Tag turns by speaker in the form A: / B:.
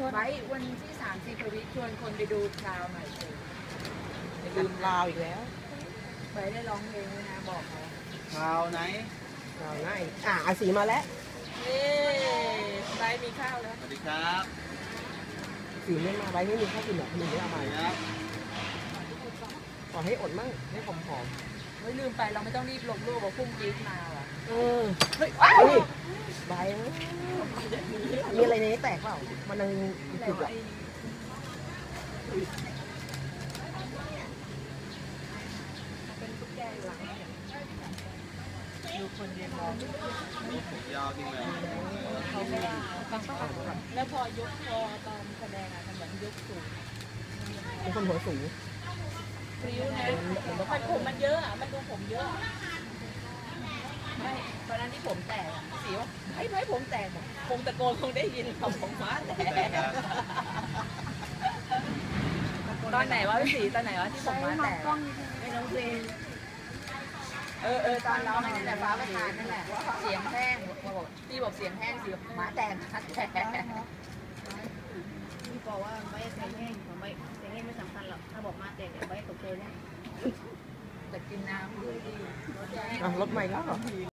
A: ไว้วันที่30พวิชวนคนไปดูคราวหน่อยสิ
B: ลืมลาวอีกแล้ว
A: ไว้ได้ร้องเพลงด้วยนะบอกเขา
C: ข่าวไหน
B: ลาวง่ายอาสีมาแล้ว
A: นี่ไว้มีข้าวแล้ว
C: สวัสดีครับ
B: สีไม่มาไว้ไม่มีข้าวกินหรอกมีไม่เอา
C: ส
B: มา
C: วัสดีครับ
B: ขอให้อดมั่งให้หอม
A: เฮ้ยลืมไปเราไม่ต้องรีบลงรูปว่าพุ่งจี๊ดมาว่ะ
B: ๆ
A: เฮ้ย
B: นี่ใบมีอะไรในนี้แตกเปล่ามันยัง
A: อะไร
B: จุด
A: วะ
B: อ่ะ
A: เป็นตุ๊กแกอยู่หลังดูคนเรียนร้อง
C: ผมยาวจริงเลย
A: เขาไม่ว่าฟังป่ะแล้วพอยกคอตอนแสดงอ่ะมันเหมือนยกสูง
B: เป็นคนหัวสูง
A: พริ้วนะมันผมมันเยอะอ่ะมันดูผมเยอะไม่ตอนนั้นที่ผมแตกอ่ะสีว่าไม่ผมแตกบอกคงตะโกนคงได้ยินเขาผมม้าแตกตอนไหนวะพี่สีตอนไหนวะที่ผมม้าแตกไม่น้องเพลงตอนร้องนั่นแหละฟ้าประธานนั่นแหละเสียงแห้งบอกพี่บอกเสียงแห้งเสียงม้าแตกม้าแตก
D: พี่บอกว่าไม่ใส่แห้งผมไม่ใส่แห้งไม่สำคัญหรอกถ้าบอกมาแต่ไว้ตกเจอเนี่ย
A: แต่กินน้ำด้วยดี
B: รถใหม่แล้วเหรอ